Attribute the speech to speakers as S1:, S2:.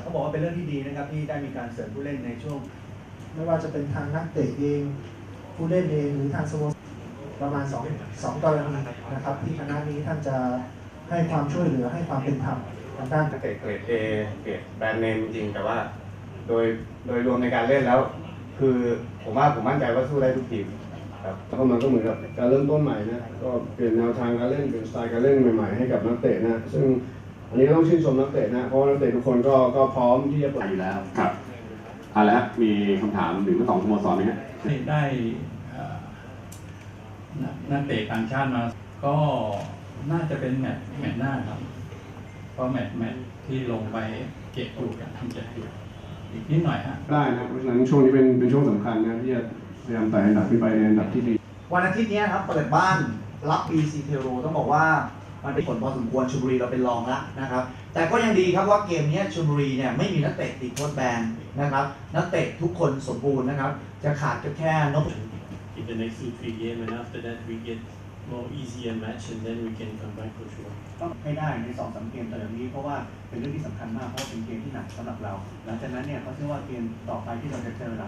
S1: เขาบอกว่าเป็นเรื่องที่ดีนะครับที่ได้มีการเสริมผู้เล่นในช่วง
S2: ไม่ว่าจะเป็นทางนักเตะเองผู้เล่นเองหรือทางสโมสรประมาณ2กรณีนะครับที่คณะนี้ท่านจะให้ความช่วยเหลือให้ความเป็นธรรมทางด้าน
S3: นักเตะเกรด A เกรดแบรนด์เนมจริงแต่ว่าโดยรวมในการเล่นแล้ว คือผมมั่นใจว่าสู้ได้ทุกทีมครับ
S4: แล้วก็มันก็เหมือนกับการเริ่มต้นใหม่นะก็เปลี่ยนแนวทางการเล่นเปลี่ยนสไตล์การเล่นใหม่ๆให้กับนักเตะนะซึ่งอันนี้ต้องชื่นชมนักเตะนะเพราะนักเตะทุกคนก็พร้อมที่จะเปิด
S5: อยู่แล้วครับแล้วมีคำถามถึงทั้งสองสโมสรไหมฮะ
S6: ได้นักเตะต่างชาติมาก็น่าจะเป็นแมตช์หน้าครับเพราะแมตช์ที่ลงไปเก็บอยู่กันทำเจ็บอยู่อีกนิดหน่อยฮะ
S4: ได้นะเพราะฉะนั้นช่วงนี้เป็นช่วงสำคัญนะที่จะพยายามไต่อันดับขึ้นไปในอันดับที่ดี
S1: วันอาทิตย์นี้ครับเปิดบ้านรับ BC เทโรต้องบอกว่ามันเป็นผลพอสมควรชลบุรีเราเป็นรองแล้วนะครับแต่ก็ยังดีครับว่าเกมนี้ชลบุรีเนี่ยไม่มีนักเตะติดโทษแบนนะครับนักเตะทุกคนสมบูรณ์นะครับจะขาดก็แค่นพ
S7: in the next 2-3 games, and after that we get more easier match, and then we can come back for sure.
S1: ต้องให้ได้ใน 2-3 เกมแต่แบบนี้เพราะว่าเป็นเรื่องที่สำคัญมากเพราะว่าเป็นเกมที่หนักสำหรับเราหลังจากนั้นเนี่ยเขาเชื่อว่าเกมต่อไปที่เราจะเจอ